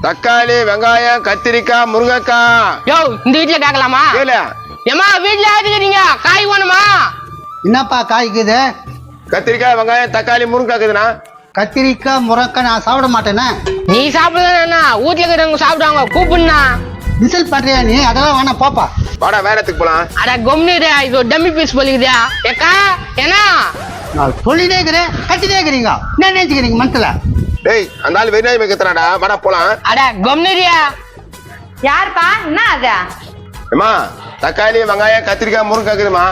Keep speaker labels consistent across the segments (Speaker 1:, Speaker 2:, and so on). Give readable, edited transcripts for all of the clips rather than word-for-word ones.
Speaker 1: தக்காளி, வெங்காயம், கத்திரிக்காய், முருங்கைக்காய்.
Speaker 2: யோ இந்த வீட்டுல கேட்கலாமா? ஏமா வீட்டுல ஆச்சுக்கிறீங்க காய் வேணுமா?
Speaker 3: என்னப்பா காய்க்குது?
Speaker 1: கத்திரிக்காய், வெங்காயம், தக்காளி, முருங்கைக்காய் இருக்குதுண்ணா.
Speaker 3: கத்திரிக்காய் முருங்கக்காய் நான் சாப்பிட மாட்டேனே.
Speaker 2: நீ சாப்பிடுறா வீட்டுல இருக்கிறவங்க சாப்பிடுவாங்க கூப்பிடுனா.
Speaker 3: விசில் பண்றியா நீ? அதெல்லாம் வேணாம் போப்பா.
Speaker 1: வாடா வேற இடத்துக்கு போலாம்.
Speaker 2: அட கொம்னிரா இது ஒரு டம்மி பீஸ் போலிக்குதா? ஏக்கா என்ன
Speaker 3: நான் சொல்லிட்டே இருக்கிறேன் கத்திட்டே இருக்கிறீங்க. என்ன நினைச்சுக்கிறீங்க மனசுல?
Speaker 1: டேய் அந்த ஆள் வெறிநாய் வைக்கிறாடா. வாடா போலாம்.
Speaker 2: அட கொம்னிரியா
Speaker 4: யாருப்பா? என்ன அது?
Speaker 1: ஏமா தக்காளி, வெங்காயம், கத்திரிக்காய், முருங்கைக்காய் இருக்குதுமா.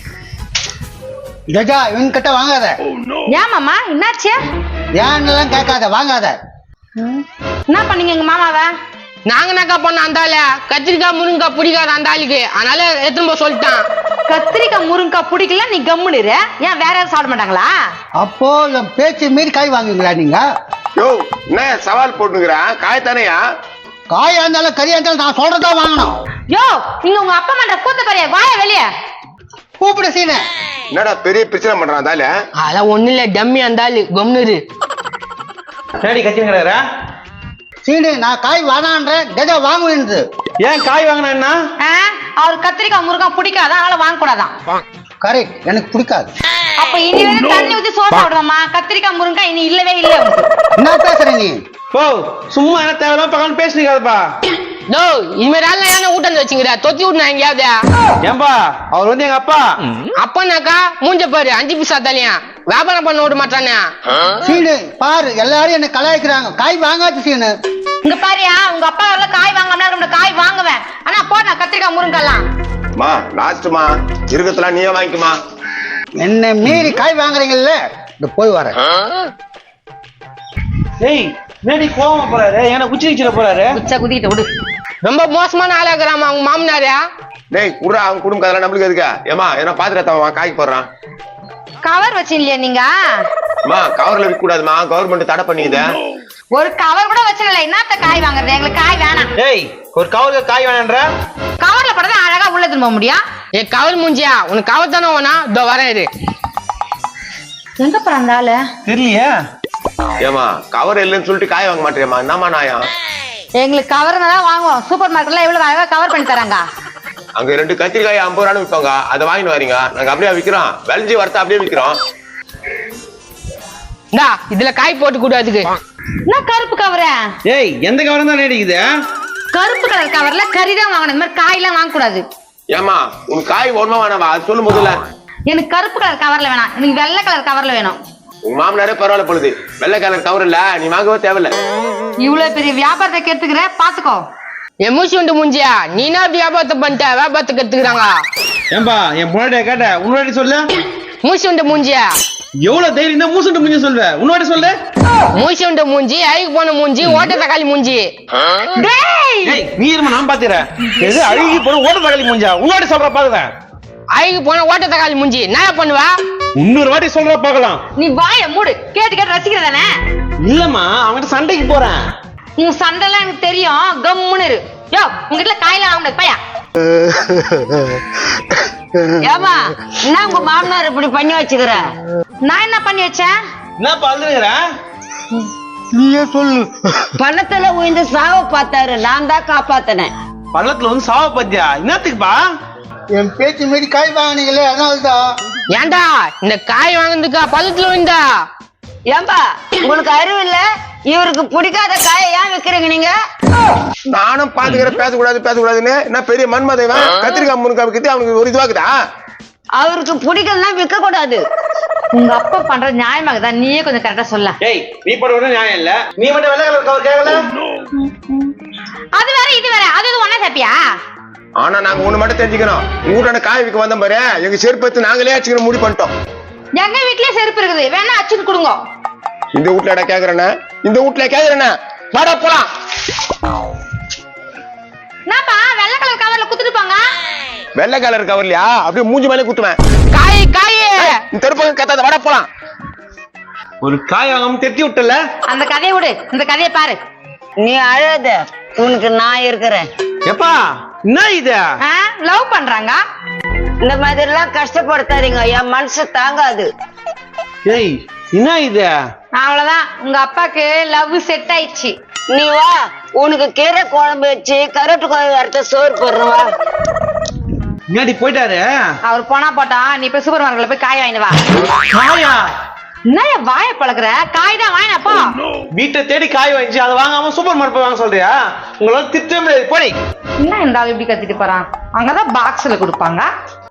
Speaker 3: கஜா இவன் கிட்ட வாங்காத.
Speaker 4: ஏமாமா என்னாச்சு?
Speaker 3: ஏன்னெல்லாம் கேட்காத வாங்காத.
Speaker 4: என்ன பண்ணீங்க எங்க மாமாவை?
Speaker 2: நாங்க என்னக்கா பண்ண அந்த ஆளு கத்திரிக்காய் முருங்கைக்காய் பிடிக்காத அந்த ஆளுக்கு அதனால எடுத்துன்னு போய் சொல்லிட்டான்.
Speaker 4: கத்திரிக்காய் முருங்கைக்காய் பிடிக்கல நீ கம்முனிரு. ஏன் வேற யாரும் சாப்பிட மாட்டாங்களா?
Speaker 3: அப்போ என் பேச்சு மீறி காய் வாங்குவீங்களா நீங்க?
Speaker 1: யோ என்ன சவால் போட்டுங்கிறான்? காய் தானேயா?
Speaker 3: காயா இருந்தாலும் கறியா இருந்தாலும் நான் சொல்றதா வாங்கணும்.
Speaker 4: யோ நீங்க உங்க அப்பா மன்ற கூத்த பெரிய வாய வெளியே
Speaker 3: கூப்பிட சீன.
Speaker 1: என்னடா பெரிய பிரச்சனை பண்றான் தால?
Speaker 2: அதெல்லாம் ஒண்ணு இல்ல டம்மி அந்த ஆளு கொம்னிரு.
Speaker 5: சரி கத்திங்கிறாரா?
Speaker 3: சீனு நான் காய் வாங்கான்ற கஜா வாங்குவேன்.
Speaker 5: ஏன் காய் வாங்கினா?
Speaker 4: அவர் கத்திரிக்காய் முருங்கைக்காய் பிடிக்காத அதனால வாங்க கூடாதான்.
Speaker 3: கரெக்ட் எனக்கு பிடிக்காது.
Speaker 4: அப்ப இனி வந்து தண்ணி ஊத்தி சோறு சாப்பிடுவாமா? கத்திரிக்காய் முருங்கைக்காய் இனி இல்லவே இல்லை உனக்கு.
Speaker 3: என்ன பேசுற நீ?
Speaker 5: ஓ சும்மா என்ன தேவையில்லாம பக்கம் பேசுறீங்கப்பா.
Speaker 2: டோ இனிமேல் ஆள் என்ன ஊட்டம் வச்சுங்கிற தொத்தி விட்டுனா எங்கேயாவது?
Speaker 5: ஏன்பா அவர் வந்து எங்க அப்பா.
Speaker 2: அப்பனாக்கா மூஞ்ச பாரு 5 பைசா தலையா வியாபாரம் பண்ண விட மாட்டானே.
Speaker 3: சீனு பாரு எல்லாரும் என்ன கலாய்க்கிறாங்க. காய் வாங்காது சீனு.
Speaker 4: இங்க பாரியா உங்க அப்பா வரல காய் வாங்காம காய் வாங்குவேன். ஆனா போடா கத்திரிக்காய் முருங்கைக்காய்லாம்.
Speaker 1: மா லாஸ்ட்மா இருக்கத்தெல்லாம் நீயே வாங்கிக்குமா.
Speaker 3: என்ன மீறி காய் வாங்குறீங்கல்ல இந்த போய் வரேன்.
Speaker 5: ஏய் மேடி கோவமா போறாரு. ஏன்னா குச்சி வச்சிட போறாரு.
Speaker 4: குச்சா குதிக்கிட்ட விடு.
Speaker 2: ரொம்ப மோசமான ஆளா இருக்கிறாமா அவங்க மாமனாரியா?
Speaker 1: டேய் குடுறா அவங்க குடும்பம் அதெல்லாம் நம்மளுக்கு எதுக்கா? ஏமா என்ன பாத்துறதா காய்க்கு போடுறான்.
Speaker 4: கவர் வச்சு இல்லையா நீங்க?
Speaker 1: அம்மா கவர்ல விற்க கூடாதுமா. கவர்மெண்ட் தடை பண்ணிக்குது.
Speaker 4: ஒரு கவர் கூட வச்சிடல. என்னத்த காய் வாங்குறது? எங்களுக்கு காய் வேணாம்.
Speaker 5: ஏய் ஒரு கவருக்கு காய் வேணான்ற?
Speaker 4: கவர்ல போட்டா அழகா உள்ள திரும்ப முடியும்.
Speaker 2: ஏ கவர் மூஞ்சியா உனக்கு கவர் தானே வேணா? இதோ வரேன் இரு.
Speaker 4: எங்க போறாந்தால
Speaker 5: தெரியலையா?
Speaker 1: ஏமா கவர் இல்லைன்னு சொல்லிட்டு காய் வாங்க மாட்டேமா? என்னமா நாயா?
Speaker 4: எங்களுக்கு கவர் தான் வாங்குவோம். சூப்பர் மார்க்கெட்ல எவ்வளவு அழகா கவர் பண்ணி தராங்க.
Speaker 1: அங்க 2 கத்திரிக்காய் 50 ரூபான்னு விற்பாங்க. அதை வாங்கிட்டு வரீங்க. நாங்க அப்படியே விக்கிறோம். வெளஞ்சி வரத்த அப்படியே விக்கிறோம்.
Speaker 2: இந்தா இதுல காய் போட்டு கூடாதுக்கு.
Speaker 4: என்ன கருப்பு கவர?
Speaker 5: ஏய் எந்த கவரம் தான் நேடிக்குது?
Speaker 4: கருப்பு கலர் கவர்ல கறி தான் வாங்கணும். இந்த மாதிரி காய் எல்லாம் வாங்க கூடாது.
Speaker 1: ஏமா உனக்கு காய் ஒண்ணுமா வேணாவா? அது சொல்லு முதல்ல.
Speaker 4: எனக்கு கருப்பு கலர் கவர்ல வேணாம். எனக்கு வெள்ளை கலர் கவர்ல வேணும்.
Speaker 1: உங்க மாமனாரே பரவாயில்ல பொழுது. வெள்ளை கலர் கவர் இல்ல நீ வாங்கவே தேவையில்ல.
Speaker 4: இவ்வளவு பெரிய வியாபாரத்தை கெடுத்துக்கிற பாத்துக்கோ.
Speaker 2: எமூசி உண்டு மூஞ்சியா நீனா வியாபாரத்தை பண்ணிட்ட வியாபாரத்தை கத்துக்கிறாங்க.
Speaker 5: ஏன்பா என் முன்னாடியே கேட்ட உன்னாடி சொல்லு.
Speaker 2: மூசி உண்டு மூஞ்சியா
Speaker 5: எவ்வளவு தைரியம் தான் மூசுண்டு மூஞ்சி சொல்வ? உன்னோட சொல்லு.
Speaker 2: மூசி உண்டு மூஞ்சி அழுகு போன மூஞ்சி ஓட்ட தக்காளி மூஞ்சி.
Speaker 5: ஏய் நீ இருமா நான் பாத்துறேன். எது அழுகி போன ஓட்ட தக்காளி மூஞ்சா? உன்னோட சொல்ற பாக்குறேன்.
Speaker 2: அழுகு போன ஓட்ட தக்காளி மூஞ்சி என்ன பண்ணுவா?
Speaker 5: இன்னொரு வாட்டி சொல்ற பாக்கலாம்.
Speaker 4: நீ வாய மூடு. கேட்டு கேட்டு ரசிக்கிறதானே?
Speaker 5: இல்லம்மா அவங்கிட்ட சண்டைக்கு போறேன்.
Speaker 4: உன் சண்டை எல்லாம் எனக்கு தெரியும். கம்முன்னு இரு. யோ உங்ககிட்ட காயெல்லாம் வாங்க பையா. ஏமா என்ன உங்க மாமனார் இப்படி பண்ணி வச்சுக்கிற? நான் என்ன பண்ணி வச்சேன்?
Speaker 5: என்ன பாத்துக்கிற?
Speaker 3: நீயே சொல்லு.
Speaker 4: பணத்துல உயிர்ந்து சாவ பார்த்தாரு. நான் தான் காப்பாத்தினேன்.
Speaker 5: பள்ளத்துல வந்து சாவ பத்தியா? என்னத்துக்குப்பா?
Speaker 3: என் பேச்சு மீறி காய் வாங்கினீங்களே அதனால்தான்.
Speaker 2: ஏண்டா இந்த காய் வாங்கினதுக்கா பள்ளத்துல விழுந்தா?
Speaker 4: ஏம்பா உங்களுக்கு அறிவு இல்ல? இவருக்கு பிடிக்காத காயை ஏன் விக்கிறீங்க நீங்க?
Speaker 1: நானும் பாத்துக்கிறேன். பேசக்கூடாதுன்னு என்ன பெரிய மன்மதேவன்? கத்திரிக்காய் முருங்காய் விற்கிறது அவனுக்கு ஒரு இதுவாக்குதா?
Speaker 4: அவருக்கு பிடிக்கலன்னா விற்க கூடாது. உங்க அப்பா பண்ற நியாயமாக தான். நீயே கொஞ்சம் கரெக்டா சொல்ல.
Speaker 5: ஏய் நீ போட நியாயம் இல்ல. நீ மட்டும் வெள்ளை கலர் கவர் கேட்கல.
Speaker 4: அது வேற இது வேற. அது இது ஒண்ணா சாப்பியா?
Speaker 1: ஆனா நாங்க ஒண்ணு மட்டும் தெரிஞ்சுக்கணும். உங்க வீட்டான காய் விற்க வந்த பாரு எங்க செருப்பத்து நாங்களே அச்சுக்கணும் முடிவு பண்ணிட்டோம்.
Speaker 4: எங்க வீட்லயே செருப்பு இருக்குது. வேணா அச்சுன்னு கொடுங்க.
Speaker 1: இந்த வீட்டுல கேக்குறேன்னா இந்த வீட்டுல கேக்குறேன்னா வாடா போலாம்.
Speaker 4: என்னப்பா வெள்ளை கலர் கவர்ல குத்துட்டு போங்க.
Speaker 1: வெள்ளை கலர் கவர்லையா? அப்படியே மூஞ்சி மேலே குத்துவேன்.
Speaker 2: காய் காய்
Speaker 1: இந்த தெருப்பக்கம் கத்தாத. வாடா போலாம்.
Speaker 5: ஒரு காய் வாங்காம தெத்தி விட்டல.
Speaker 4: அந்த கதையை விடு. இந்த கதையை பாரு. நீ அழாத. உனக்கு நான் இருக்கிறேன்.
Speaker 5: எப்பா என்ன இது?
Speaker 4: லவ் பண்றாங்க. இந்த மாதிரி எல்லாம் கஷ்டப்படுத்தாதீங்க. என் மனசு தாங்காது.
Speaker 5: ஏய் என்ன இது?
Speaker 4: அவ்வளவுதான். உங்க அப்பாக்கு லவ் செட் ஆயிடுச்சு.
Speaker 6: நீ வா, உனக்கு கீரை குழம்பு வச்சு கருட்டு குழம்பு வறுத்த சோறு போடுறவா.
Speaker 5: முன்னாடி போயிட்டாரு.
Speaker 4: அவர் போனா போட்டா, நீ போய் சூப்பர் மார்க்கெட்ல போய் காய் வாங்கிட்டு வா.
Speaker 5: காயா?
Speaker 4: என்ன வாய பழகுற? காய் தான் வாங்கினப்பா.
Speaker 5: வீட்டை தேடி காய் வாங்கிச்சு அதை வாங்காம சூப்பர் மார்க்கெட் போய் வாங்க சொல்றியா? உங்களால திட்டவே முடியாது. போடி.
Speaker 4: என்ன இந்த ஆள் இப்படி கத்திட்டு போறான்? அங்கதான் பாக்ஸ்ல கொடுப்பாங்க.